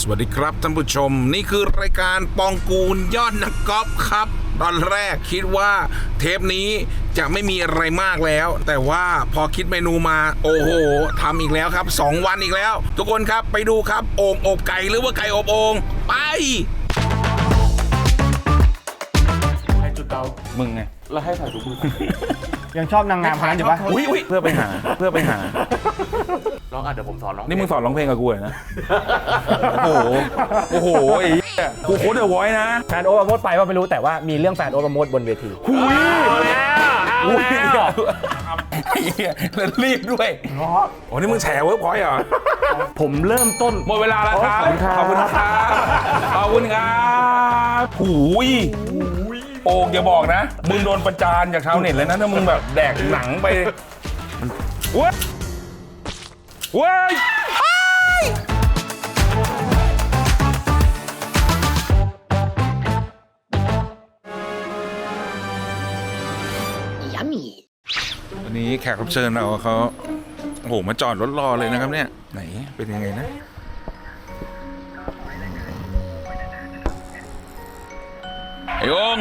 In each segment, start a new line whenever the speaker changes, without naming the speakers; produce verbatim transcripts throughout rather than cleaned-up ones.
วัสดีครับท่านผู้ชมนี่คือรายการปองกูลยอดนักกอล์ฟครับตอนแรกคิดว่าเทปนี้จะไม่มีอะไรมากแล้วแต่ว่าพอคิดเมนูมาโอ้โหทำอีกแล้วครับสองวันอีกแล้วทุกคนครับไปดูครับโอ่งอบไก่หรือว่าไก่อบโอ่งไป
ใครจุดเตา
มึงไง
แล้วให้ใส่ถุงมือ
ยังชอบนางงามคนนั้นอยู่ปะอุ้ยอุ้ยเพื่อไปหาเพื่อไปหา
ร้องอ่ะเดี๋ยวผมสอนร้อง
นี่มึงสอนร้องเพลงกับกูเหรอนะโอ้โหโอ้โหไอ้กูโค้ดเดอะวอยซ์นะ
แฟนโอ๊ตประโมทไปว่าไม่รู้แต่ว่ามีเรื่องแฟนโอ๊ตประโมทบนเวที
หุย
เอาแล้วเอาแล้ว
ไอ้เหี้ยแล้วรีบด้วยโอ้นี่มึงแฉเวิร์กพอยต์เหรอ
ผมเริ่มต้น
หมดเวลาแล้วครับขอบคุณครับขอบคุณครับหุยโอ่งอย่าบอกนะมึงโดนประจานจากชาวเน็ตเลยนะถ้ามึงแบบแดกหนังไปว้าว้ายวันนี้แขกรับเชิญเราเขาโอ้โหมาจอดรถรอเลยนะครับเนี่ยไหนเป็นยังไงนะไอ้อง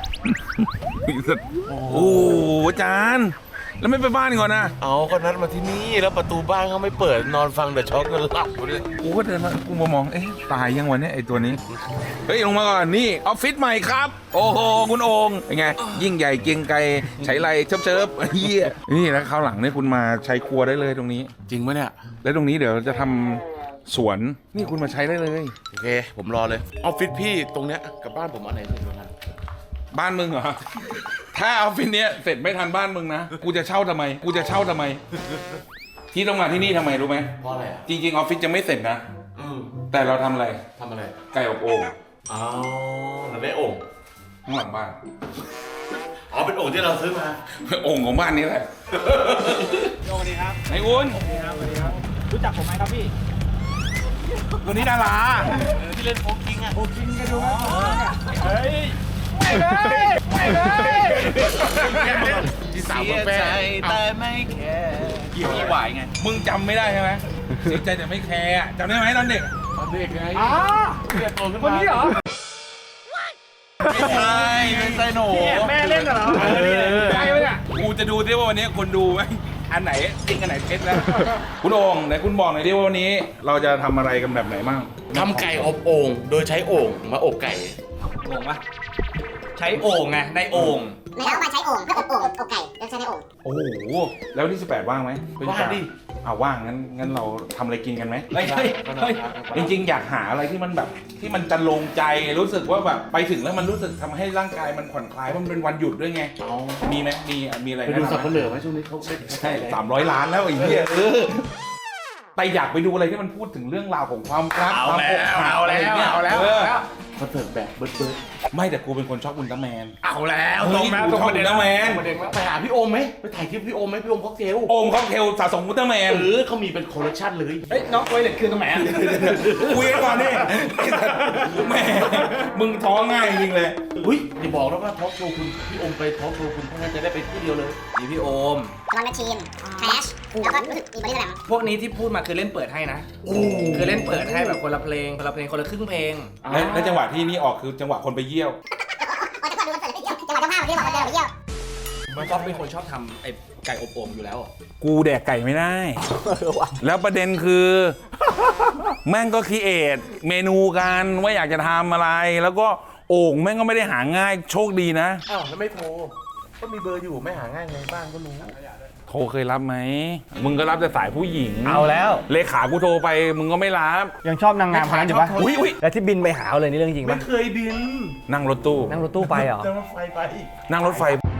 โอ้โหอาจารย์แล้วไม่ไปบ้านก่อนนะ
เอาก็นัดมาที่นี่แล้วประตูบ้านเขาไม่เปิดนอนฟังเดอะช็อคกันหลับเลย
กูก็เดินมากูมามองเอ๊ะตายยังวันนี้ไอ้ตัวนี้เฮ้ยลงมาก่อนนี่ออฟฟิศใหม่ครับโอ้โหคุณโองเป็นไงยิ่งใหญ่เกรียงไกรใช้ไรเชิบเชิบเฮียนี่แล้วคราวหลังเนี่ยคุณมาใช้ครัวได้เลยตรงนี้
จริงไหมเนี่ย
แล้วตรงนี้เดี๋ยวจะทำสวนนี่คุณมาใช้ได้เลย
โอเคผมรอเลยออฟฟิศพี่ตรงเนี้ยกับบ้านผมอันไหนถึงกัน
บ้านมึงเหรอถ้าออฟฟิศเนี้ยเสร็จไม่ทันบ้านมึงนะกูจะเช่าทำไมกูจะเช่าทำไมที่ต้องมาที่นี่ทำไมรู้ไหม
เพราะอะไรอ่ะ
จริงๆออฟฟิศจะไม่เสร็จนะแต่เราทำอะไร
ทำอะไร
ไก่อบโอ่ง
อ๋อเราได้โอ่ง
ข้างหลังบ้าน
อ๋อเป็นโอ่งที่เราซื้อมา
โอ่งของบ้านนี้แหละ
สวัสดีครับ
ไอ้วุ้น
สวัสดีครับสวัสดีครับรู้จักผมไหมครับพี่
วันนี้ดารา
ที่เล่นโฟกิงอ่ะ
โฟกิงกันดูไหมเฮ้ยไม่เลยไม่เลย
ที่สาวกับแฟนแต่ไม่แคร์
กี่ปีไหวไงมึงจำไม่ได้ใช่ไหมเสียใจแต่ไม่แคร์จำได้ไหมตอนเด็ก
ตอนเด็กไง
อ๋อ
เรียนโตขึ้นมา
คนนี้เหรอ
ไม่ใช่ไม่ใช่หนู
แม่เล่นเหรอใช่ไหมเนี่ย
กูจะดูดิว่าวันนี้คนดูไหมอันไหนจริงอันไหนเท็จแล้วคุณโอ่งไหนคุณบอกหน่อยดิว่าวันนี้เราจะทำอะไรกันแบบไหนบ้าง
ทำไก่อบโอ่งโดยใช้โอ่งมาอบไก่
โอ่งปะใช้โอ่งไงในโอ่ง
ไม่เอามาใช้โอ่งเพื่ออบโอ่งอบไก่แล้วใช้ในโอ่ง
โอ้โหแล้วที่สิบแปดว่างไหม
ว่างดิ
อ่าว่างงั้นงั้นเราทำอะไรกินกันไหม
ไม่ใช่
จริงๆอยากหาอะไรที่มันแบบที่มันจะลงใจรู้สึกว่าแบบไปถึงแล้วมันรู้สึกทำให้ร่างกายมันผ่อนคลายเพราะมันเป็นวันหยุดด้วยไงมีไหมมีมีอะไร
ไปดูสับปะเหลือไหมช่วงนี้เขา
ใช่สามร้อยล้านแล้วไอ้เหี้ยเออไปอยากไปดูอะไรที่มันพูดถึงเรื่องราวของความรักความอกหักอะไรเงี้ย
เอาแล้ว
คอนเสิร์ตแบบเบิร์ดเบิร์ด
ไม่แต่กูเป็นคนชอบอุลตร้าแมน
เอาแล้ว
ตรงนั้นตรงอุลตร้าแมน
ไปหาพี่โอมไหมไปถ่ายคลิปพี่โอมไหมพี่โอมค็อกเทล
โอมค็อกเทลสะสมอุลตร้าแมน
หรือเขามีเป็นคอลเลคชันเลย
เฮ้ยน้องไวเล็ตคือตรงไหน
คุยก่อนดิแม่มึงท้องง่ายจริงเลย
เฮ้ยอย่าบอกนะว่าทอล์กโชว์คุณพี่โอมไปทอล์กโชว์คุณเพราะงั้นจะได้ไปที่เดียวเลย
มีพี่โอม
รอนแมชชีนแคชแล้วก็รู้สึกมีบริษัท
พวกนี้ที่พูดมาคือเล่นเปิดให้นะคือเล่นเปิดให้แบบคนละเพลงคนละเพลงคนละครึ่งเพลง
แล้วจังหวะที่นี่ออกคือจังหวะคนไปเยี่ยว
จังหวะดูคอนเสิร์ตไปเยี่ยวจังหวะเจ้าภาพที่บอกว่าจะไปเยี่ยว
มันก็เป็นคนชอบทำไอ้ไก่อบโอ่งอยู่แล้ว
กูแดกไก่ไม่ได้แล้วประเด็นคือแม่งก็คิดเอทเมนูกันว่าอยากจะทำอะไรแล้วก็โอ่งแม่งก็ไม่ได้หาง่ายโชคดีนะ
อ้าวแล้วไม่โทรก็มีเบอร์อยู่ไม่หาง่ายไงบ้านก็รู้
โทรเคยรับไหมมึงก็รับแต่สายผู้หญิง
เอาแล้ว
เลขากูโทรไปมึงก็ไม่รับ
ยังชอบนางงามคนนั้นอยู่ปะ
อุ้ยอุ้ย
แล้วที่บินไปหาเลยนี่เรื่องจริงปะ
ไม่เคยบิน
นั่งรถตู้
นั่งรถตู้ไปเหรอ
นั่งรถไฟไป
นั่งรถไฟ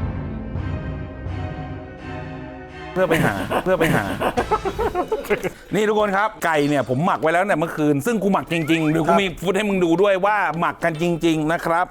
เพื่อไปหาเพื่อไปหานี่ทุกคนครับไก่เนี่ยผมหมักไว้แล้วเนี่ยเมื่อคืนซึ่งกูหมักจริงๆเดี๋ยวกูมีฟุตให้มึงดูด้วยว่าหมักกันจริงๆนะครับ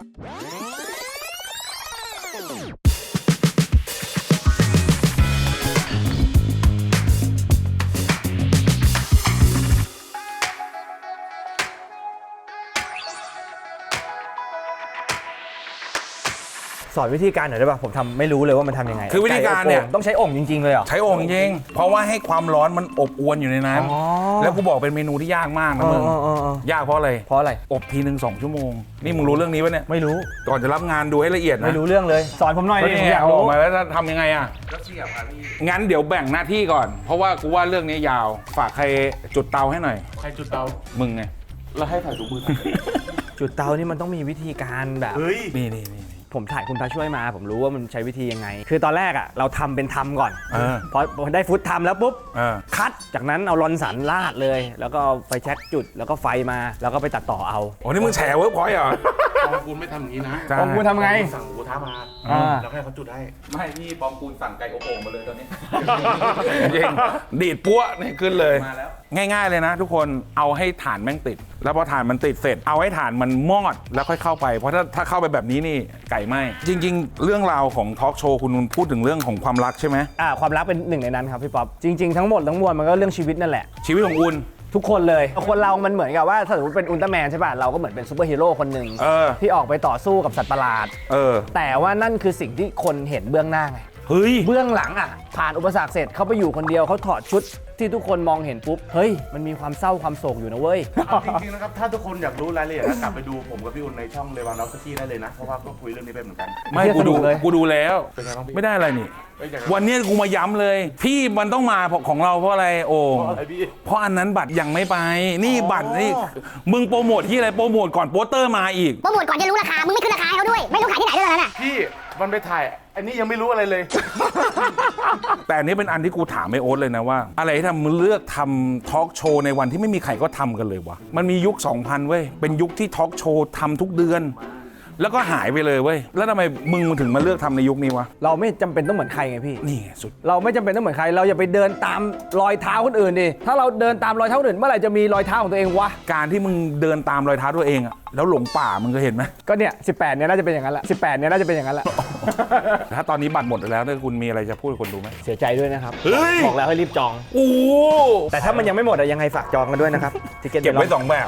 สอนวิธีการหน่อยได้ป่ะผมทำไม่รู้เลยว่ามันทำยังไง
คือวิธีการเนี่ย
ไอบโอ่งต้องใช้โอ่งจริงๆเลยเหรอ
ใช้โอ่งจริงๆเพราะว่าให้ความร้อนมันอบอวนอยู่ในนั้น
อ๋อ
แล้วกูบอกเป็นเมนูที่ยากมากนะมึง
เออเออเออ
ยากเพราะอะไร
เพราะอะไร
อบทีหนึ่งสองชั่วโมงนี่มึงรู้เรื่องนี้ปะเนี่ย
ไม่รู้
ก่อนจะรับงานดูให้ละเอียดนะ
ไม่รู้เรื่องเลย สอนผมหน่อย
ก็
ดิ
นี่
ผม
ไง
อยาก
เอาอ
รู้
อกมาแล้วจะทำยังไงอ่ะ
ก็เสียบครับพี่
งั้นเดี๋ยวแบ่งหน้าที่ก่อน เพราะว่ากูว่าเรื่องนี้ยาวฝากใครจุดเตาให้หน่อย
ใครจุดเตา
มึงไง
แล้วให้ถ่ายถุงมือ
จุดเตานี่มันต้องมีวิธีการแบบ
เฮ้ย
นี่นี่นี่
ผมถ่ายคุณพระช่วยมา ผมรู้ว่ามันใช้วิธียังไง คือตอนแรกอ่ะเราทำเป็นทำก่อน
เออ
พอพอได้ฟุตทำแล้วปุ๊บ
เออ
คัดจากนั้นเอาลอนสันลาดเลย แล้วก็เอาไฟแช็กจุดแล้วก็ไฟมาแล้วก็ไปตัดต่อเอา
โอ้นี่มึงแฉเวิร์กพอยต์เหรอ
ปองกูลไม่ทำอย่างนี้นะ
ใช่
ปองกูลทำไง
สั่งหมูกระทะมา
อ่า
แล้วให้เขาจุดให้
ไม่พี่ปองกูลสั่งไก่อบโอ่งมาเลยตอนนี้ จริงดีดปั้วนี่ขึ้นเลย
มาแล้ว
ง่ายๆเลยนะ ทุกคนเอาให้ฐานแม่งติด แล้วพอฐานมันติดเสร็จเอาให้ฐานมันมอดแล้วค่อยเข้าไปเพราะถ้าถ้าเข้าไปแบบนี้นี่ไก่ไหมจริง ๆ เรื่องราวของทอล์กโชว์คุณนุนพูดถึงเรื่องของความรักใช่ไหม
อ่าความรักเป็นหนึ่งในนั้นครับพี่ป๊อปจริงๆทั้งหมดทั้งมวลมันก็เรื่องชีวิตนั่นแหละ
ชีวิตของคุณ
ทุกคนเลยคนเรามันเหมือนกับว่าถ้าสมมติเป็นอุลตร้าแมนใช่ป่ะเราก็เหมือนเป็นซูเปอร์ฮีโร่คนหนึ่ง
เออ
ที่ออกไปต่อสู้กับสัตว์ประหลาด
เออ
แต่ว่านั่นคือสิ่งที่คนเห็นเบื้องหน้าไง
เฮ้ย
เบื้องหลังอ่ะผ่านอุปสรรคเสร็จเขาไปอยู่คนเดียวเขาถอดชุดที่ทุกคนมองเห็นปุ๊บเฮ้ยมันมีความเศร้าความโศกอยู่นะเว้ย
จริงๆนะครับ ถ้าทุกคนอยากรู้รายละเอียดนะกลับไปดูผมกับพี่อุ่นในช่องเลวานอฟสกี้ได้เลยนะ เพราะว่าก็คุยเรื่องนี้ไปเหมือนกัน
ไม่
เหี้ย
กูดู
สนุกเลย
กูดูแล้ว
เป็นไงบ้างพี่
ไม่ได้อะไรนี่
เอ้ยอยากจะ
วันนี้กูมาย้ำเลย พี่มันต้องมาของเราเพราะอะไรโอ่ง
เพราะอะไรพี่
เพราะอันนั้นบัตรยังไม่ไป นี่บัตรนี่มึงโปรโมทที่อะไรโปรโมทก่อนโปสเตอร์มาอีก
โปรโมทก่อนจะรู้ราคา มึงไม่ขึ้นราคาให้เขาด้วย ไม่รู้ขายที่ไหนด้วยแล้วน่ะ
พี่มันไปถ่าย อันนี้ยังไม่รู้อะไรเลย
แต่อันนี้เป็นอันที่กูถามไอโอ๊ตเลยนะว่า อะไรที่ทำมึงเลือกทำทอล์กโชว์ในวันที่ไม่มีใครก็ทำกันเลยวะมันมียุค สองพัน เว้ยเป็นยุคที่ทอล์กโชว์ทำทุกเดือน แล้วก็หายไปเลยเว้ยแล้วทำไมมึงถึงมาเลือกทำในยุคนี้วะ
เราไม่จำเป็นต้องเหมือนใครไงพี่
นี่ไงสุด
เราไม่จำเป็นต้องเหมือนใคร เราอย่าไปเดินตามรอยเท้าคนอื่นดิถ้าเราเดินตามรอยเท้าคนอื่นเมื่อไหร่จะมีรอยเท้าของตัวเองวะ
การที่มึงเดินตามรอยเท้าตัวเองอะแล้วหลงป่ามึงเคยเห็นไหม
ก็เนี่ยสิบแปดเนี่ยน่าจะเป็นอย่างนั้นแหละสิบแปดเนี่ยน่าจะเป็นอย่างนั้นแหละ
ถ้าตอนนี้บัตรหมดแล้วเนี่ยคุณมีอะไรจะพูดกับคนดูไหม
เสียใจด้วยนะครับ
เฮ้ย
บอกแล้วให้รีบจอง
โอ้
แต่ถ้ามันยังไม่หมดอะยังไงฝากจองกันด้วยนะครับทิเก็ต
เก็บไว้สองแบบ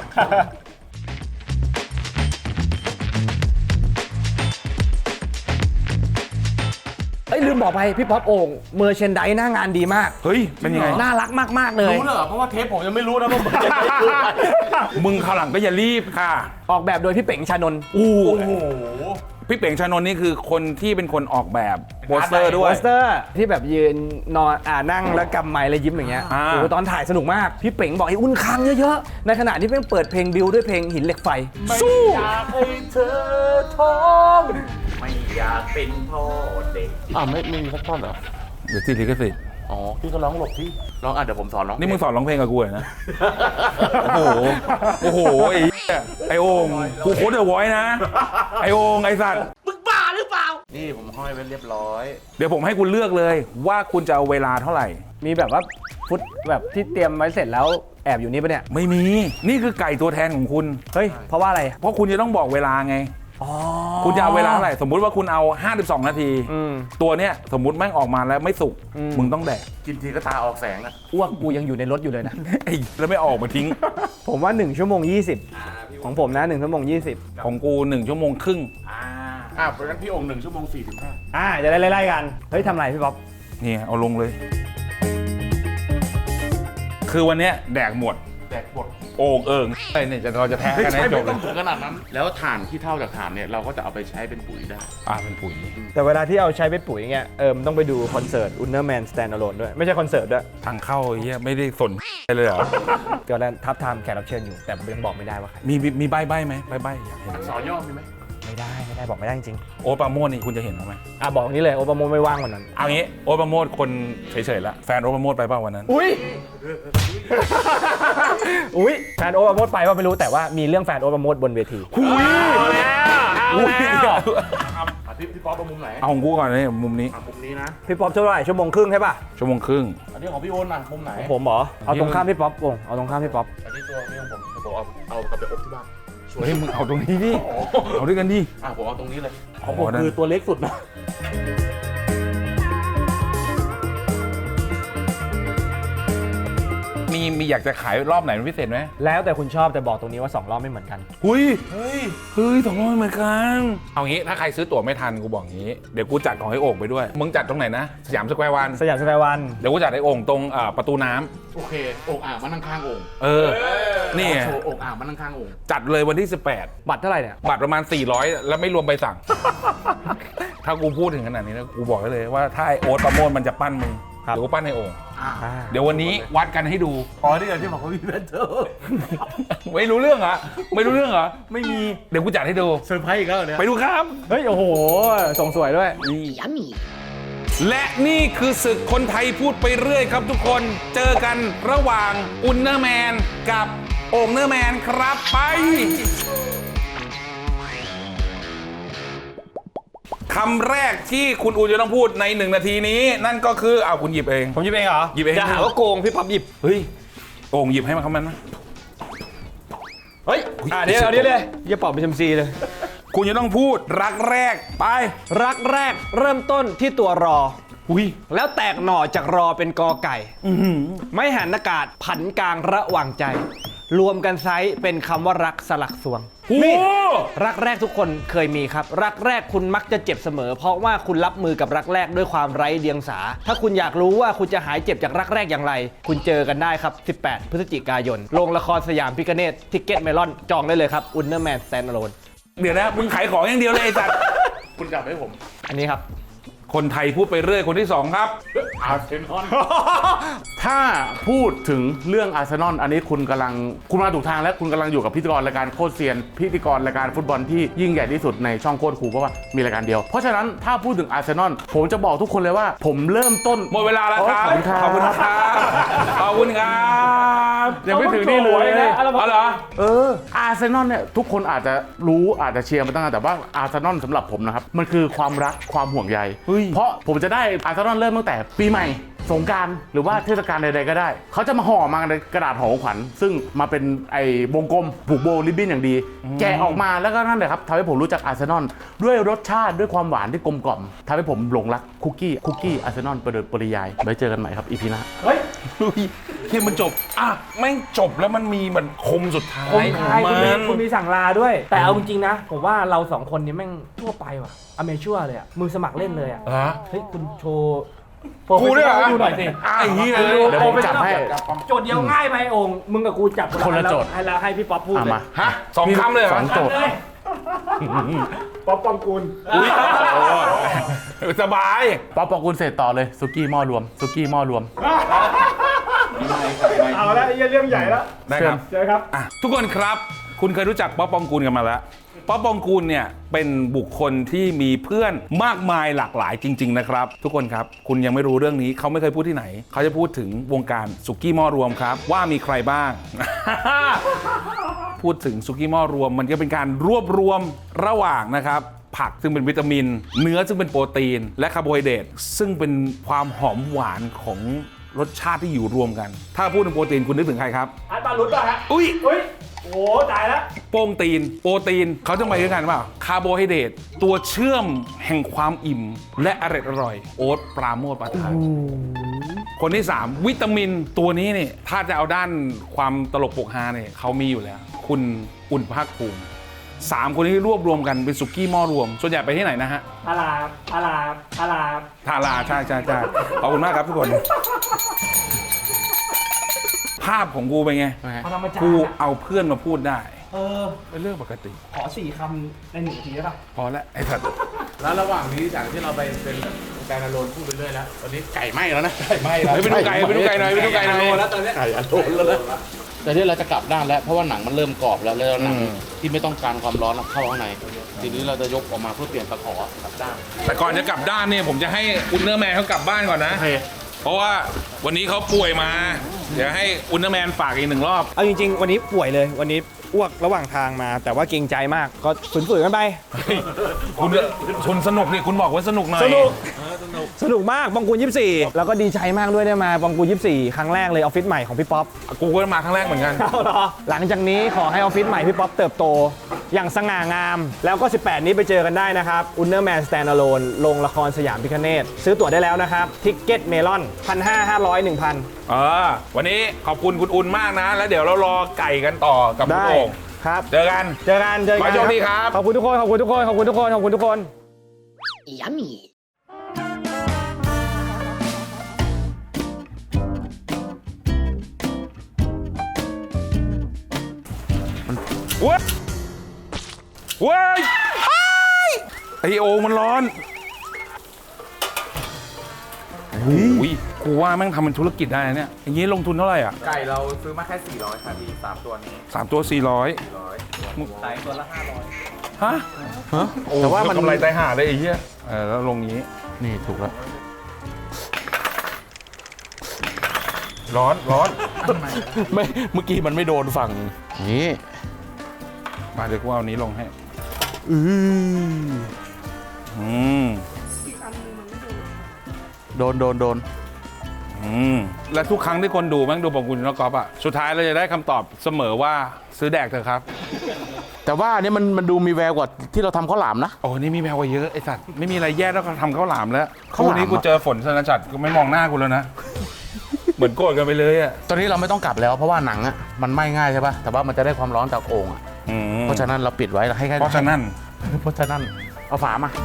เอ้ยลืมบอกไปพี่ป๊อปโอ่งเมอร์เชนไดหน้างานดีมาก
เฮ้ย เป็นยังไง
น่ารักมากๆเลย
รู้เลยเหรอเพราะว่าเทปผมยังไม่รู้นะว่ามันจะเป็นอะไร
มึงคราวหลังก็อย่ารีบค่ะ
ออกแบบโดยพี่เป๋งชานนท์
อู้
โอ้โห
พี่เป๋งชานนท์นี่คือคนที่เป็นคนออกแบบโปสเตอร์ด้
โป
วย
สเตอร์ที่แบบยืนนอนอ่านั่งแล้วกำไม้แล้วยิ้มอย่างเงี้ย
อ่า
โอ้โหตอนถ่ายสนุกมาก พี่เป๋งบอกให้อุ่นค้างเยอะๆ ในขณะที่เพิ่งเปิดเพลงบิวด้วยเพลงหินเหล็กไฟ สู้
อยากให้เธอท้อง
ไม่อยากเป็นพ่อเด็ก
อ่าวไม่ไม่มีสักท่อนเหรอ
เดี๋ยวติดลิขสิทธิ์
อ๋อพี่ก็ร้องหลบที่ร้องอ่ะเดี๋ยวผมสอนร้อง
นี่มึงสอนร้องเพลงกับกูเหรอนะ โอ้โห โอ้โห ไอ้เหี้ยไอ้โอ่งกูโคตรเดอะไวอยนะ ไอ้โอ่งไอ้สัตว์
นี่ผมห้อยไว้เรียบร้อย
เดี๋ยวผมให้คุณเลือกเลยว่าคุณจะเอาเวลาเท่าไหร่
มีแบบว่าฟุตแบบที่เตรียมไว้เสร็จแล้วแอบอยู่นี่ปะเนี่ย
ไม่มี นี่คือไก่ตัวแทนของคุณ
เฮ้ย เพราะว่าอะไร
เพราะคุณจะต้องบอกเวลาไง
อ๋อ
คุณจะเอาเวลาเท่าไหร่ สมมุติว่าคุณเอาห้าสิบสองนาที
อืม
ตัวเนี้ยสมมุติแม่งออกมาแล้วไม่สุก
อืม
มึงต้องแดก
กินทีก็ตาออกแสงอะ
อ้วกกูยังอยู่ในรถอยู่เลยนะ
ไอ้แล้วไม่ออกมาทิ้ง
ผมว่าหนึ่งชั่วโมงยี่สิบของผมนะหนึ่งชั่วโมงยี่สิบ
ของกูหนึ่งชั่วโมงครึ่ง
อ่ะเพราะฉะนั้นพี่องค์หนึ่งชั่วโมงสี่สิบห้า
อ่าจะได้ไล่ๆกัน เฮ้ยทำอะไรพี่ป๊อป
นี่เอาลงเลย คือวันเนี้ยแดกหมด
แดกบด
โอ่งเอิงไอ้เนี่ยจะเราจะแท้กันให้จบเล
ต้อย งถึงขนาดนั้น แล้วถ่านที่เท่าจากถ่านเนี่ยเราก็จะเอาไปใช้เป็นปุ๋ยได้
อ่าเป็นปุ๋ย
แต่เวลาที่เอาใช้ไปปุ๋ยเงี้ย เออมนต้องไปดูคอนเสิร์ต Underman Stand Alone ด้วย ไม่ใช่คอนเสิร์ตด้วย
ทางเข้าไอ้เหี้ยไม่ได้สนเลยเหรอ
เดี๋ยวนั้นทับทามแขกรับเชิญอยู่ แต่ยังบอกไม่ได้ว่าใคร
มีมีมีใบใบไหมใบใบอยากเห็น
สอย่อมีไหม
ไม่ได้ไม่ได้บอกไม่ได้จริง
โอ๊ตปราโมทนี่คุณจะเห็นเขาไหม
ๆอ่ะบอกนี้เลยโอปาโมไม่ว่างวันนั้น
เอางี้โอ๊ตปราโมทคนเฉยๆละแฟนโอ๊ตปราโมทไปเปล่าวันนั้น
อุ้ย อุ้ยแฟนโอปาโมดไปว่าไม่รู้แต่ว่ามีเรื่องแฟนโอปาโมดบนเวที
หุย
เอาแล้วเอาแล้ว
อ่ะพี่พี่ป๊อปเอามุมไหน
เอาของกูก่อนนี่มุมนี้
อ่ะมุมนี้นะ
พี่ป๊อปเท่าไหร่ชั่วโมงครึ่งใช่ป่ะ
ชั่วโมงครึ่ง
อันนี้ของพี่โอนอ่ะมุมไหน
ผมเหรอเอาตรงข้ามพี่ป๊อปวงเอาตรงข้ามพี่ป๊อป
อันนี้ตัวพี่ของผมผมเอาเอากลับไปอบที่บ้าน
เฮ้ยมึงเอาตรงนี้ดิเอาด้วยกันดิ
อ่ะผมเอาตรงนี้เลย
ของผมคือ
ตัวเล็กสุดนะ
นมีมีอยากจะขายรอบไหนเป็นพิเศษไหม
แล้วแต่คุณชอบแต่บอกตรงนี้ว่าสองรอบไม่เหมือนกัน
หุยเฮ้ยเฮ้ยสองร้อยเหมือนกันเอางี้ถ้าใครซื้อตั๋วไม่ทันกูบอกงี้เดี๋ยวกูจัดของให้โอ่งไปด้วยมึงจัดตรงไหนนะสยามสแควร์วัน
สยามสแควร์วัน
เดี๋ยวกูจัดให้โอ่งตรงอ่าประตูน้ำ
โอเคโอ่งอ่างมานั่งข้างโอ่ง
เออนี่
โชว์โอ่งอ่างมานั่งข้างโอ่ง
จัดเลยวันที่สิบแปด
บัตรเท่าไหร่เนี่ย
บัตรประมาณสี่ร้อยแล้วไม่รวมใบสั่ง ถ้ากูพูดถึงขนาดนี้นะกูบอกได้เลยว่าถ้าไอโอ๊ตประโมทมันจะปั้นมึงเดี๋ยวกูปั้นในโอ่ง
อ่า
เดี๋ยววันนี้วัดกันให้ดู
อ๋อที่ที่บอกว่ามีแพนเทอร์
ไม่รู้เรื่องเหรอไม่รู้เรื่องเหรอไม่มีเดี๋ยวกูจัดให้ดู
เซอร์ไพรส์อีกแล้วเนี่ย
ไปดูครับ
เฮ้ย โอ้โห ส่งสวยด้วย
และนี่คือศึกคนไทยพูดไปเรื่อยครับทุกคนเจอกันระหว่างอุลเนอร์แมนกับโอ่งเนอร์แมนครับไปคำแรกที่คุณอูจะต้องพูดในหนึ่งนาทีนี้ นั่นก็คือเอาคุณหยิบเอง
ผมหยิบเองเหรอ
หยิบเอง
จะหาว่าโกงพี่ป๊อปหยิบ
เฮ้ยโอ่งหยิบให้มันเขามันนะ
เฮ้ย อ่ะเดี๋ยวเอาเดี๋ยวเลยอย่าเป่าเป็นชมซีเลย
คุณจะต้องพูดรักแรกไป
รักแรกเริ่มต้นที่ตัวรอ
อุ้ย
แล้วแตกหน่อจากรอเป็นกอไก่ ไม่หันอากาศผันกลางระหว่างใจ รวมกันไซส์เป็นคำว่ารักสลักสวง
โอ้
นี่รักแรกทุกคนเคยมีครับ รักแรกคุณมักจะเจ็บเสมอ เพราะว่าคุณรับมือกับรักแรกด้วยความไร้เดียงสา ถ้าคุณอยากรู้ว่าคุณจะหายเจ็บจากรักแรกอย่างไร คุณเจอกันได้ครับ สิบแปด พฤศจิกายน โรงละครสยามพิคเนตทิกเก็ตเมลอน จองได้เลยครับอุลเนอร์แมนสแตนด์อะโลน
เดี๋ยวนะมึงขายของอย่างเดียวเลยไอ้จัด
คุณจับให้ผม
อันนี้ครับ
คนไทยพูดไปเรื่อยคนที่สองครับ
อาร์เซนอล ถ้าพูดถึงเรื่องอาร์เซนอลอันนี้คุณกำลังคุณมาถูกทางและคุณกำลังอยู่กับพิธีกรรายการโคตรเซียน พิธีกรรายการฟุตบอลที่ยิ่งใหญ่ที่สุดในช่องโคตรครูเพราะว่ามีรายการเดียว เพราะฉะนั้นถ้าพูดถึงอาร์เซนอลผมจะบอกทุกคนเลยว่าผมเริ่มต้น
หมดเวลาแล้วครับ
ขอบคุณครับ
ขอบคุณครับขอบคุณครับ
ยังไม่ถึงนี่เลย
เอาเหรอ
เอออาร์เซนอลเนี่ยทุกคนอาจจะรู้อาจจะเชียร์มาตั้งนานแต่ว่าอาร์เซนอลสำหรับผมนะครับมันคือความรักความห่วงใยเพราะผมจะได้อาร์เซนอลเริ่มตั้งแต่ปีใหม่สงกรานต์หรือว่าเทศกาลใดๆก็ได้เขาจะมาห่อมาในกระดาษห่อของขวัญซึ่งมาเป็นไอ้วงกลมผูกโบว์ริบบิ้นอย่างดี แกะออกมาแล้วก็นั่นแหละครับทำให้ผมรู้จักอาร์เซนอลด้วยรสชาติด้วยความหวานที่กลมกล่อมทำให้ผมหลงรักคุกกี้คุกกี้อาร์เซนอลโดยปริยายไว้เจอกันใหม่ครับอีพีหน้า
เฮ้ย
ที่มันจบอ่ะแม่งจบแล้วมันมีเหมือนคมสุดท้าย
คมคาย
ข
คุ
อง
ณมี
มัน
คุณมีสั่งลาด้วย แต่เอาจริงๆนะ ผมว่าเราสองคนนี้แม่งทั่วไปว่ะอเมชัวเลยอ่ะมือสมัครเล่นเลยอ่ะ
ฮะ
เฮ้ยคุณโชว์โปร
กูด้วยเหรอ
ให้ดูหน่อยสิ
ไอ้เหี้ย
เดี๋ยวผมจับให้
โจทย์เดียวง่ายไปองค์มึงกับกูจับ
คนละโจทย์
ให้แล้วให้พี่ป๊อปพูด
อ่ะ
เลย
มา
ฮะสองคำเลยเหร
ส
อ
องโจทย์
เลยป๊อปปองกูล
อุ้ยสบาย
ป๊อปปองกุลเสร็จต่อเลยซุกี้หม้อรวมซุกี้หม้อรวม
เอาแล้วไอ้เรื่องใหญ่แล้ว
ได้ครับ
เจอครับ
อ่ะทุกคนครับคุณเคยรู้จักป๊อปปองกูลกันมาแล้วป๊อปปองกูลเนี่ยเป็นบุคคลที่มีเพื่อนมากมายหลากหลายจริงๆนะครับทุกคนครับคุณยังไม่รู้เรื่องนี้เขาไม่เคยพูดที่ไหนเขาจะพูดถึงวงการสุกี้หม้อรวมครับว่ามีใครบ้าง พูดถึงสุกี้หม้อรวมมันก็เป็นการรวบรวมระหว่างนะครับผักซึ่งเป็นวิตามิน เนื้อซึ่งเป็นโปรตีน และคาร์โบไฮเดรตซึ่งเป็นความหอมหวานของรสชาติที่อยู่รวมกัน ถ้าพูดถึงโปรตีนคุณนึกถึงใครครับ
อันปาลุดป่ะฮะ
อุ้ย
อุ้ยโอ้ตายแล้ว
โปรตีน โปรตีนเขาจะไปด้วยกันเปล่าคาร์โบไฮเดรตตัวเชื่อมแห่งความอิ่ม และอร่อยอร่อยโอ๊ตปราโมทประทานคนที่ สาม วิตามินตัวนี้เนี่ยถ้าจะเอาด้านความตลกปกฮาเนี่ยเขามีอยู่แล้ว คุณอุ่นภาคภูมิสามคนนี้รวบรวมกันเป็นสุกี้หม้อรวม ส่วนใหญ่ไปที่ไหนนะฮะ
อาลาบอาลาบอาลาบ
ทาราใช่ใช่ใช่ขอบคุณมากครับทุกคน ภาพของกูเป็นไง
พลังมาจาร
กู
ย์อะ
เอาเพื่อนมาพูดได้
เออ
เป็นเรื่องปกติ
ขอสี่คำในหนึ่งนาทีได้ป่ะ
พอแล้วไอ้สัตว์
แล้วระหว่างนี้จากที่เราไปเป็นแบบแกนอโลนพูดไปเรื่อยแล้วตอนนี้ไก่ไหม้แล้วนะไก่ไหม้แล้ว
เฮ้ยไปดูไก่ไปดูไก่หน่อยไปดูไก่หน่อย
แล้วตอนนี้ไก่อโลนแล้วนะแต่ที่เราจะกลับด้านแล้วเพราะว่าหนังมันเริ่มกรอบแล้วแล้วหนังที่ไม่ต้องการความร้อนเข้าข้างในทีนี้เราจะยกออกมาเพื่อเปลี่ยนตะขอกลับด้าน
แต่ก่อนจะกลับด้านเนี่ยผมจะให้อุลเนอร์แมนเขากลับบ้านก่อนนะ
โอเค
เพราะว่าวันนี้เขาป่วยมา เดี๋ยวให้อุลเนอร์แมนฝากอีกหนึ่งรอบ
เอาจริงๆ วันนี้ป่วยเลย วันนี้อ้วกระหว่างทางมา แต่ว่าเกรงใจมาก ก็ฝืนๆกันไป
คุณคุณสนุกนี่คุณบอกว่าสนุกหน่อย
สนุกสนุกมากปองกูลยี่สิบสี่แล้วก็ดีใจมากด้วยได้มาปองกูลยี่สิบสี่ครั้งแรกเลยออฟฟิศใหม่ของพี่ป๊อป
กูก็มาครั้งแรกเหมือนกัน
หลังจากนี้ขอให้ออฟฟิศใหม่พี่ป๊อปเติบโตอย่างสง่างาม แล้วก็สิบแปดนี้ไปเจอกันได้นะครับ Underman Standalone ลงละครสยามพิคเนตซื้อตั๋วได้แล้วนะครับทิกเก็ตเมลอนพันห้าห้าร้อยหนึ่งพัน
เออวันนี้ขอบคุณคุณอุ่นมากนะ แล้วเดี๋ยวเรารอไก่กันต่อกับคุณ
ได้
โอ่ง
ครับ
เจอกัน
เจอกันเจอ
ขอ
กั
ให้โชคดีครับ
ขอบคุณทุกคนขอบคุณทุกคนขอบคุณทุกคนขอบคุณทุกคน
Yummy.
เว้ยเว้ยไอโอ่งมันร้อนโอ้ยกูว่าแม่งทำเป็นธุรกิจได้นะเนี่ยอย่างนี้ลงทุนเท่าไหร่อ่ะ
ไก่เราซื้อมาแค่สี่ร้อยค่ะพี่สามตัวนี้
สามตัวสี่ร้อย
ขายตัวละห้าร้อย
ฮะ
แต่ว่ามัน
กำไรตายห่าเลยไอ้เหี้ยเออแล้วลงนี้
นี่ถูกแล้ว
ร้อนร้อน
ไม่เมื่อกี้มันไม่โดนฝั่งนี่
มาเดี๋ยวกูเอานี้ลงให้
อือ
อืม
โดนโดนโดน
อืมและทุกครั้งที่คนดูแม่งดูปองกุลนกกอล์ฟอ่ะสุดท้ายเราจะได้คำตอบเสมอว่าซื้อแดกเถอะครับ
แต่ว่าอันนี้มันมันดูมีแววกว่าที่เราทำข้าวหลามนะ
โอ้นี่มีแมวกว่าเยอะไอ้สัตว์ไม่มีอะไรแย่แล้วก็ทำข้าวหลามแล้ว
ข้าวหลาม
วันนี้กูเจอฝนสนจัดก็ไม่มองหน้ากูแล้วนะ เหมือนโกรธกันไปเลยอ่ะ
ตอนนี้เราไม่ต้องกลับแล้วเพราะว่าหนังอ่ะมันไหม้ง่ายใช่ป่ะแต่ว่ามันจะได้ความร้อนจากโอ่งอะ
อืม
เพราะฉะนั้นเราปิดไว้เราให้แค่
เพราะฉะนั้น
เพราะฉะนั้นเอาฝามา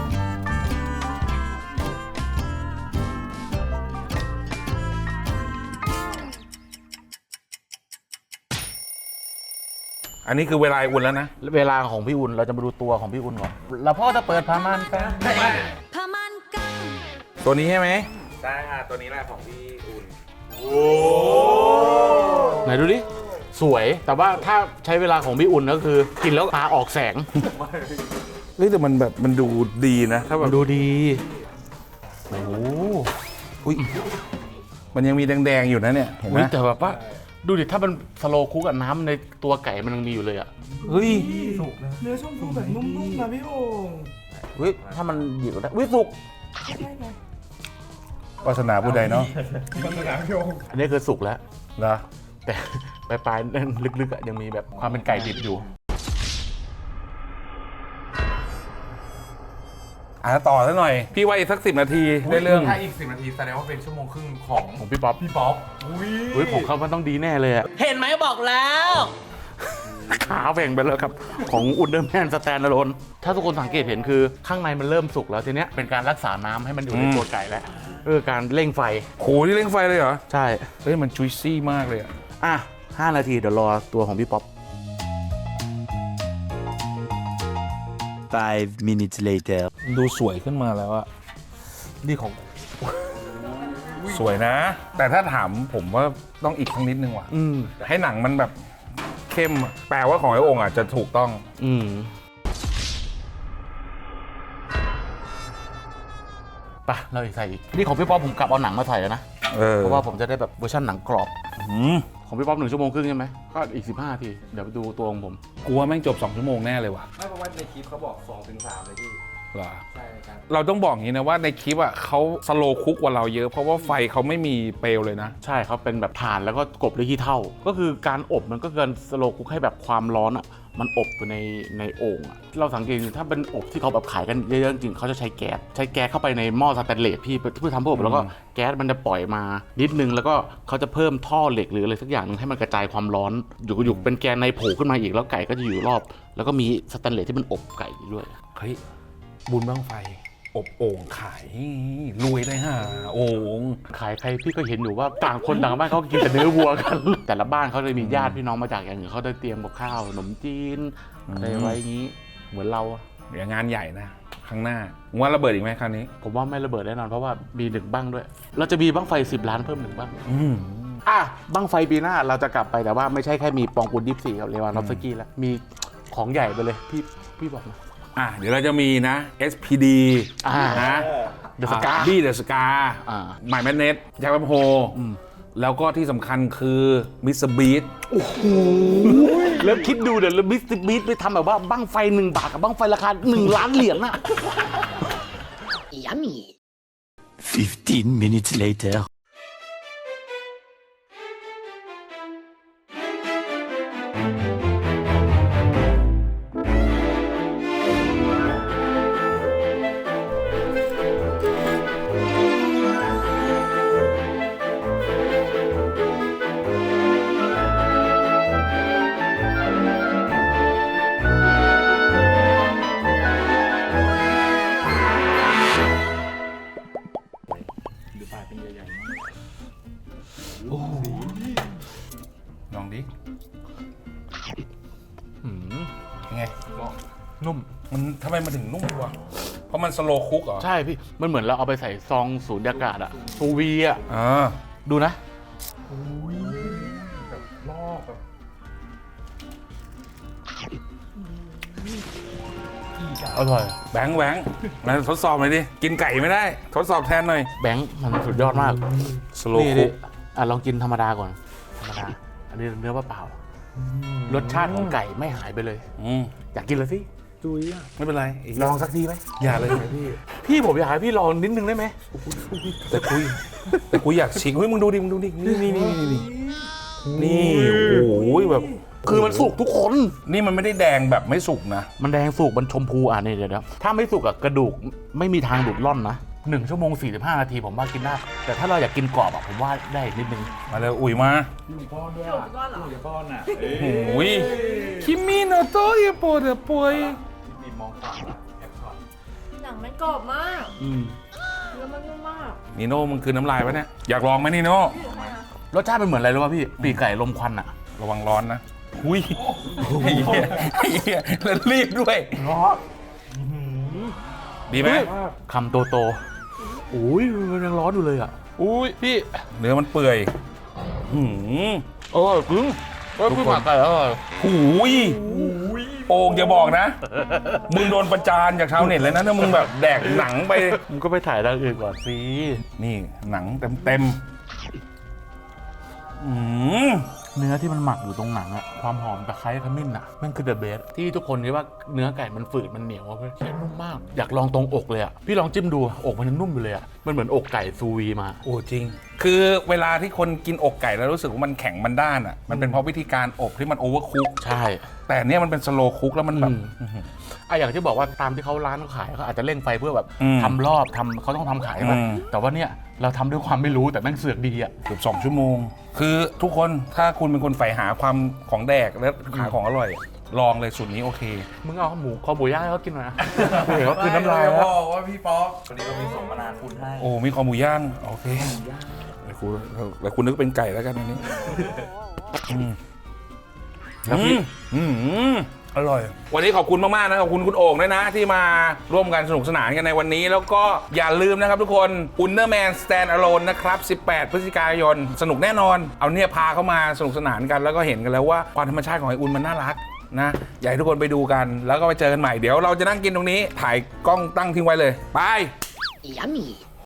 อันนี้คือเวลาอุ่นแล้วนะ
เวลาของพี่อุ่นเราจะมาดูตัวของพี่อุ่นก่อนแล้วพ่อจะเปิดพามันแฟน
ตัวนี้ใช่ไหม
ใช่ค่ะตัวนี้แหละของพี่อุ่น
ไหนดูดิสวยแต่ว่าถ้าใช้เวลาของพี่อุ่นก็คือกินแล้วตาออกแสง
เฮ้ยแต่มันแบบมันดูดีนะ ถ้าแบ
มั
บ
นดูดี
โอ้โหอุ๊ยมันยังมีแดงๆอยู่นะเนี่ยเห็นไหม
อุ๊ยแต่แบบว่าดูดิถ้ามันสโลว์คุกกับน้ำในตัวไก่มันยังมีอยู่เลยอ่ะ
เฮ้ย
เนื้อชมพูแบบนุ่มๆนะพี่โอ่ง
เฮ้ยถ้ามันหยิบได้วิสุก
วาสนาผู้ใดเนาะ
อันนี้คือสุกแล้ว
เหรอ
แต่ปลายๆนั่นลึกๆอะยังมีแบบความเป็นไก่ดิบอยู่
อ่ะต่อซะหน่อย พี่ว่าอีกสักสิบนาทีได้เรื่อง
ถ้าอีกสิบนาทีแสดงว่าเป็นชั่วโมงครึ่งของ
ของพี่ป๊อป
พี่ป๊อปอุ้ย
เฮ้ยของเขามันต้องดีแน่เลยอะ
เห็นไหมบอกแล้ว
ขาแหว่งไปแล้วครับ ของอุลเดอร์แมนสแตนด์อะโลนถ้าทุกคนสังเกตเห็นคือข้างในมันเริ่มสุกแล้วทีเนี้ยเป็นการรักษาน้ำให้มันอยู่ในตัวไก่แล้วเออการเร่งไฟ
โหนี่เร่งไฟเลยเหรอ
ใช่
เฮ้ยมันจุยซี่มากเลยอะ
อ่ะห้านาทีเดี๋ยวรอตัวของพี่ป๊อป
Five minutes later.
ดูสวยขึ้นมาแล้วอะ
นี่ของ
สวยนะ แต่ถ้าถามผมว่าต้องอีกสักนิดนึงว่ะ
อืม
ให้หนังมันแบบเข้มอะแปลว่าของไอ้โองค์อาจจะถูกต้อง
อืมไปเราอีกใส่อีกนี่ของพี่ป๊อปผมกลับเอาหนังมาใส่แล้วนะ
เออ
เพราะว่าผมจะได้แบบเวอร์ชันหนังกรอบ
อืม
ของพี่ป๊อปหนึ่งชั่วโมงครึ่งใช่ไหมก็อีกสิบห้านาที เดี๋ยวไปดูตัวของผม
กูว่าแม่งจบสองชั่วโมงแน่เลยว่ะ
ไม่เพราะว่าในคลิปเขาบอกสองถึงสามเลยพี่
เหรอ
ใช่ครับ
เราต้องบอกอย่างนี้นะว่าในคลิปอ่ะเขาสโลว์คุกกว่าเราเยอะ เพราะว่าไฟเขาไม่มีเปลวเลยนะ
ใช่เขาเป็นแบบถ่านแล้วก็กบด้วยขี้เถ้าก็คือการอบมันก็เกินสโลว์คุกให้แบบความร้อนอ่ะมันอบอยู่ในในโอ่งอ่ะเราสังเกตดูถ้าเป็นอบที่เขาแบบขายกันเยอะๆจริงๆเขาจะใช้แก๊สใช้แก๊สเข้าไปในหม้อสแตนเลสพี่เพื่อทำเพื่ออบแล้วก็แก๊สมันจะปล่อยมานิดนึงแล้วก็เขาจะเพิ่มท่อเหล็กหรืออะไรสักอย่างนึงให้มันกระจายความร้อนอยู่อยู่เป็นแกนในโผล่ขึ้นมาอีกแล้วไก่ก็จะอยู่รอบ แล้วก็มีสแตนเลสที่มันอบไก่ด้วย
เฮ้ย บุญบ้างไฟ อบโอ่งขายรวยได้ห่าโอ่ง
ขายใครพี่ก็เห็นอยู่ว่าต่างคนต่างบ้านเขากินแต่เนื้อวัวกัน แต่ละบ้านเขาจะมีญาติพี่น้องมาจากอย่างอื่นเขาได้เตรียมกับข้าวขนมจีนอะไรไว้อย่างนี้เหมือนเราอะ
เดี๋ยวงานใหญ่นะ ข้างหน้ามึงว่าระเบิดอีกไหมคราวนี้
ผมว่าไม่ระเบิดแน่นอนเพราะว่ามีหนึ่งบ้างด้วย เราจะมีบ้างไฟสิบล้านเพิ่มหนึ่งบ้าง
อืม
อ่ะบ้างไฟปีหน้าเราจะกลับไปแต่ว่าไม่ใช่แค่มีปองกุลยี่สิบสี่กับเลวานอฟสกี้แล้วมีของใหญ่ไปเลยพี่พี่บอกมา
อ่ะเดี๋ยวเราจะมีนะ เอส พี ดี
อ่า
นะ
The Scar
บี้เดอะสกา
อ่า
หมายแมนเนตแจ็คแปมโฮแล้วก็ที่สำคัญคือมิสเตอร์บีท
แล้วคิดดูเดี๋ยวแล้วบิสบิสไปทำแบบว่าบ้างไฟหนึ่งบาทกับบ้างไฟราคาหนึ่งล้านเหรียญน่ะ
Yummy.
Fifteen minutes later.
ลองดิ
อืม
ยังไง
นุ่ม
มันทำไมมันถึงนุ่มวะเพราะมันสโลว์คุกเหรอ
ใช่พี่ มันเหมือนเราเอาไปใส่ซองสูญญากาศอะซูวีอะ
อ่า
ดูนะ
ลอกแบบ
อร่อย
แบงค์แบงค์มาทดสอบหน่อยดิ กินไก่ไม่ได้ ทดสอบแทนหน่อย
แบงค์มันสุดยอดมาก
สโลว์
นี่
คุ
ดิ
ก
อ่ะลองกินธรรมดาก่อน ธรรมดา อันนี้เนื้อเปล่าๆรสชาติของไก่ไม่หายไปเลย
อืม
อยากกินเลยสิจุยอะ
ไม่เป็นไรอีก
ลองสักทีไหม
อย่าเลยพี่
พี่ผมอยากให้พี่ลองนิดนึงได้ไหม
แต่คุยแต่คุยอยากชิงเฮ้ยมึงดูดิมึงดูดินี่นี่นี่นี่นี่นี่โอ้ยแบบ
คือมันสุกทุกคน
นี่มันไม่ได้แดงแบบไม่สุกนะ
มันแดงสุกมันชมพูอ่ะนี่เดี๋ยวนะถ้าไม่สุกอะกระดูกไม่มีทางดูดร่อนนะหนึ่งชั่วโมงสี่สิบห้านาทีผมว่ากินได้ แต่ถ้าเราอยากกินกรอบอะผมว่าได้นิดนึง
มาเลยอุ๋ยมา
ก้อนด้วยอ่ะอยู่ก้อนอ่ะ
โอ้ยคิมิโนโตะเอโปเดปวย
มีมองขวาแอบช็อต
หนังมันกรอบมาก
อืม
เนื้อมันนุ่มมาก
นิโน่มึงคือน้ำลายปะเนี่ยอยากลองไหมนิโน่
รสชาติเป็นเหมือนอะไรรู้ป่ะพี่ปีกไก่ลมควันอะ
ระวังร้อนนะหุยไอ้เหี้ยไอ้เหี้ยแล้วรีบด้วย
ร้อน
ดีไหม
คำโตโตๆอุ้ยมันยังร้อนอยู่เลยอะอุ้ยพี่
เนื้อมันเปื่อยหืม
อร่อยจริงเฮ้ยพี่หมักไก่อร่อย
หูยโอ่งอย่าบอกนะ มึงโดนประจานจากชาวเน็ตเลยนะถ้ามึงแบบแดกหนังไป
มึงก็ไปถ่ายทางอื่นก่อนสิ
นี่หนังเต็มเต็มๆอืม
เนื้อที่มันหมักอยู่ตรงหนังอะความหอมตะไคร้ขมิ้นอะมันคือเดอะเบสที่ทุกคนคิดว่าเนื้อไก่มันฝืดมันเหนียวอะเพื่อนแค่นุ่มมาก อยากลองตรงอกเลยอะพี่ลองจิ้มดูอกมันยังนุ่มอยู่เลยอะมันเหมือนอกไก่ซูวีมา
โอ้จริง คือเวลาที่คนกินอกไก่แล้วรู้สึกว่ามันแข็งมันด้านอ่ะ มันเป็นเพราะวิธีการอบที่มันโอเวอร์คุก
ใช่
แต่เนี้ยมันเป็นสโลว์คุกแล้วมันแบบ
อืม อะอย่างที่บอกว่าตามที่เขาร้านเขาขายเขาอาจจะเร่งไฟเพื่อแบบ
อืม
ทำรอบทำเขาต้องทำขายใช่ไหม
อืม
แต่ว่าเนี่ยเราทำด้วยความไม่รู้แต่แม่งเสือกดีอะ
เกือบสองชั่วโมง คือทุกคนถ้าคุณเป็นคนใฝ่หาความของแดกและหาของอร่อย ลองเลยสูตรนี้โอเค
มึงเอาหมูคอหมูย่างให้เขากินหน่อยนะเดี๋ยวเขาคืนน้ำลาย
บ
แล้ว
อกว่าพี่ป๊อกวันนี้เรามีส่งมานานคุณให้
โอ้มีคอหมูย่าง โอเคแล้วคุณแล้วคุณนึกเป็นไก่แล้วกันอันนี้อืม
แล้วพี่
อืมอืมอร่อย วันนี้ขอบคุณมาก ๆ นะ ขอบคุณคุณโอ่งด้วยนะ ที่มาร่วมกันสนุกสนานกันในวันนี้ แล้วก็อย่าลืมนะครับทุกคน Underman Stand Alone นะครับ สิบแปด พฤศจิกายน สนุกแน่นอน เอาเนี่ยพาเข้ามาสนุกสนานกัน แล้วก็เห็นกันแล้วว่าความธรรมชาติของไออุ่นมันน่ารักนะ อยากให้ทุกคนไปดูกัน แล้วก็ไปเจอกันใหม่ เดี๋ยวเราจะนั่งกินตรงนี้ ถ่ายกล้องตั้งทิ้งไว้เลย ไป
Yummy.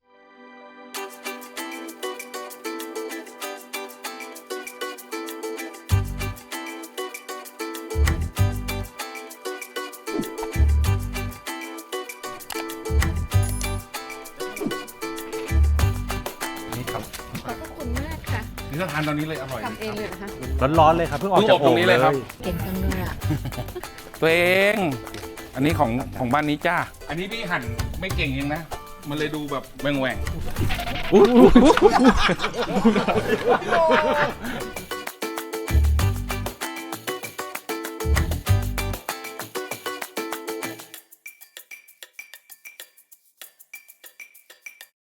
นี่ครับ
ขอบพระคุณมากค่ะ
นี่ถ้าทานตอนนี้เลยอร่อย
ทำเองเลยนะคะ
ร้อนๆเลยครับเพิ่งออก
เพิ่ง
จาก
อบตรงนี้เลยครับ
เก่งจังเลยอ่ะ
ตัวเอง อันนี้ของของบ้านนี้จ้า อันนี้พี่หั่นไม่เก่งเองนะ มันเลยดูแบบแหว่งแหว่ง